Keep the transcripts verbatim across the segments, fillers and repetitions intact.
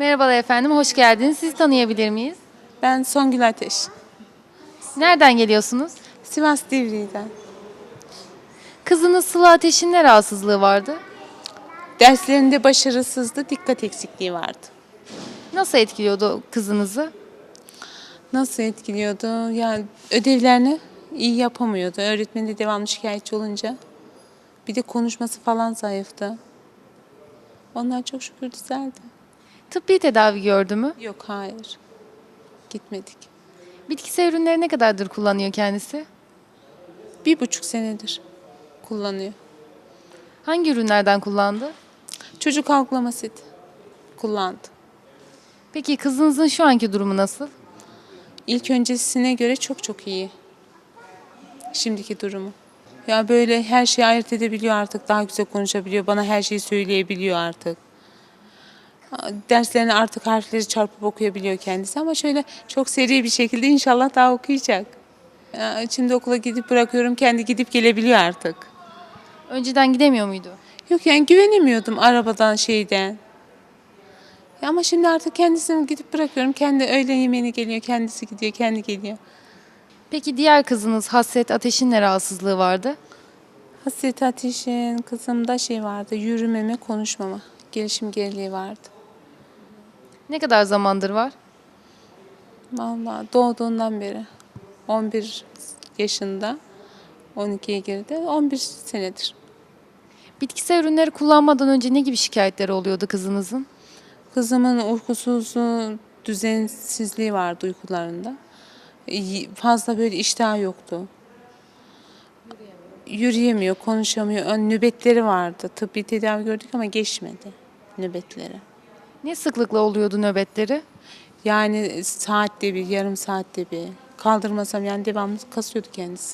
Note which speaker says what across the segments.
Speaker 1: Merhabalar efendim, hoş geldiniz. Sizi tanıyabilir miyiz?
Speaker 2: Ben Songül Ateş.
Speaker 1: Nereden geliyorsunuz?
Speaker 2: Sivas Divriği'den.
Speaker 1: Kızınız Sıla Ateş'in ne rahatsızlığı vardı?
Speaker 2: Derslerinde başarısızdı, dikkat eksikliği vardı.
Speaker 1: Nasıl etkiliyordu kızınızı?
Speaker 2: Nasıl etkiliyordu? Yani ödevlerini iyi yapamıyordu. Öğretmeni de devamlı şikayetçi olunca. Bir de konuşması falan zayıftı. Onlar çok şükür düzeldi.
Speaker 1: Tıbbi tedavi gördü mü?
Speaker 2: Yok, hayır. Gitmedik.
Speaker 1: Bitkisel ürünleri ne kadardır kullanıyor kendisi?
Speaker 2: Bir buçuk senedir kullanıyor.
Speaker 1: Hangi ürünlerden kullandı?
Speaker 2: Çocuk algılama seti kullandı.
Speaker 1: Peki kızınızın şu anki durumu nasıl?
Speaker 2: İlk öncesine göre çok çok iyi. Şimdiki durumu. Ya böyle her şeyi ayırt edebiliyor artık. Daha güzel konuşabiliyor. Bana her şeyi söyleyebiliyor artık. Derslerini artık harfleri çarpıp okuyabiliyor kendisi. Ama şöyle çok seri bir şekilde inşallah daha okuyacak. Ya şimdi okula gidip bırakıyorum. Kendi gidip gelebiliyor artık.
Speaker 1: Önceden gidemiyor muydu?
Speaker 2: Yok yani güvenemiyordum arabadan şeyden. Ya ama şimdi artık kendisini gidip bırakıyorum. Kendi öğle yemeğine geliyor. Kendisi gidiyor. Kendi geliyor.
Speaker 1: Peki diğer kızınız Hasret Ateş'in ne rahatsızlığı vardı?
Speaker 2: Hasret Ateş'in kızımda şey vardı. Yürümeme, konuşmama. Gelişim geriliği vardı.
Speaker 1: Ne kadar zamandır var?
Speaker 2: Vallahi doğduğundan beri. on bir yaşında. on ikiye girdi. on bir senedir.
Speaker 1: Bitkisel ürünleri kullanmadan önce ne gibi şikayetleri oluyordu kızınızın?
Speaker 2: Kızımın uykusuzluğu, düzensizliği vardı uykularında. Y- Fazla böyle iştahı yoktu. Yürüyemiyor, konuşamıyor. Ön nöbetleri vardı. Tıbbi tedavi gördük ama geçmedi nöbetleri.
Speaker 1: Ne sıklıkla oluyordu nöbetleri?
Speaker 2: Yani saatte bir, yarım saatte bir. Kaldırmasam yani devamlı kasıyordu kendisi.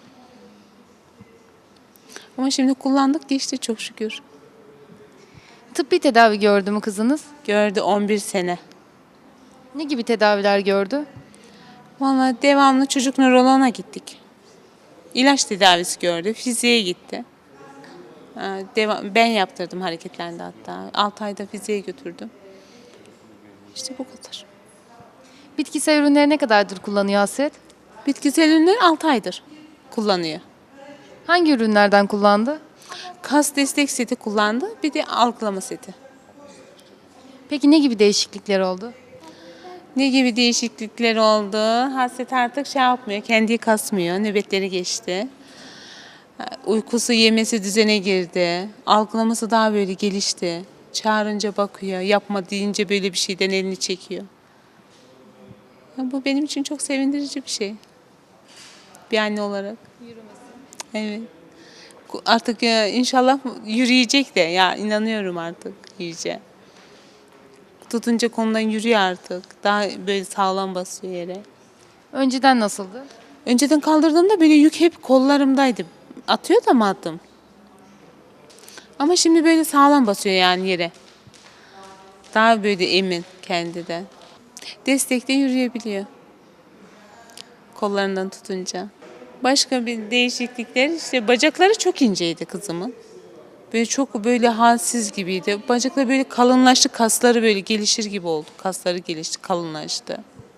Speaker 2: Ama şimdi kullandık, geçti çok şükür.
Speaker 1: Tıbbi tedavi gördü mü kızınız?
Speaker 2: Gördü on bir sene.
Speaker 1: Ne gibi tedaviler gördü?
Speaker 2: Vallahi devamlı çocuk nöroloğuna gittik. İlaç tedavisi gördü, fiziğe gitti. Ha, Devam, ben yaptırdım hareketlendi hatta. altı ayda fiziğe götürdüm. İşte bu kadar.
Speaker 1: Bitkisel ürünleri ne kadardır kullanıyor Hasret?
Speaker 2: Bitkisel ürünleri altı aydır kullanıyor.
Speaker 1: Hangi ürünlerden kullandı?
Speaker 2: Kas destek seti kullandı, bir de algılama seti.
Speaker 1: Peki ne gibi değişiklikler oldu?
Speaker 2: Ne gibi değişiklikler oldu? Hasret artık şey yapmıyor, kendi kasmıyor, nöbetleri geçti. Uykusu, yemesi düzene girdi. Algılaması daha böyle gelişti. Çağırınca bakıyor, yapma deyince böyle bir şeyden elini çekiyor. Ya bu benim için çok sevindirici bir şey. Bir anne olarak. Evet. Artık ya, inşallah yürüyecek de ya inanıyorum artık yürüyecek. Tutunca konudan yürüyor artık. Daha böyle sağlam basıyor yere.
Speaker 1: Önceden nasıldı?
Speaker 2: Önceden kaldırdığımda böyle yük hep kollarımdaydı. Atıyor da mı attım? Ama şimdi böyle sağlam basıyor yani yere. Daha böyle emin kendinden. Destekte yürüyebiliyor. Kollarından tutunca. Başka bir değişiklikler işte bacakları çok inceydi kızımın. Böyle çok böyle halsiz gibiydi. Bacakları böyle kalınlaştı, kasları böyle gelişir gibi oldu. Kasları gelişti, kalınlaştı.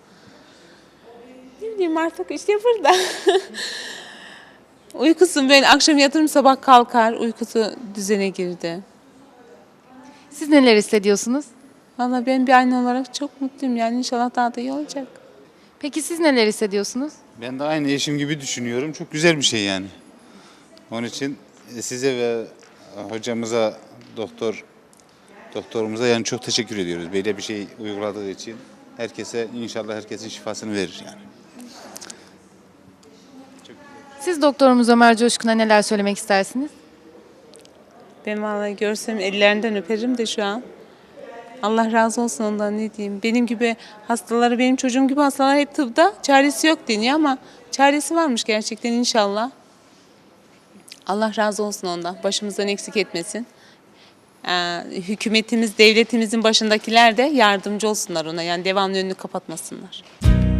Speaker 2: Ne bileyim artık işte burada. Uykusu böyle akşam yatırım sabah kalkar, uykusu düzene girdi.
Speaker 1: Siz neler hissediyorsunuz?
Speaker 2: Valla ben bir anne olarak çok mutluyum yani inşallah daha da iyi olacak.
Speaker 1: Peki siz neler hissediyorsunuz?
Speaker 3: Ben de aynı eşim gibi düşünüyorum. Çok güzel bir şey yani. Onun için size ve hocamıza, doktor doktorumuza yani çok teşekkür ediyoruz. Böyle bir şey uyguladığı için. Herkese inşallah herkesin şifasını verir yani.
Speaker 1: Siz doktorumuz Ömer Coşkun'a neler söylemek istersiniz?
Speaker 2: Ben vallahi görsem ellerinden öperim de şu an. Allah razı olsun ondan ne diyeyim. Benim gibi hastaları, benim çocuğum gibi hastalar hep tıpta çaresi yok deniyor ama çaresi varmış gerçekten inşallah. Allah razı olsun ondan. Başımızdan eksik etmesin. Ee, hükümetimiz, devletimizin başındakiler de yardımcı olsunlar ona. Yani devamlı önünü kapatmasınlar.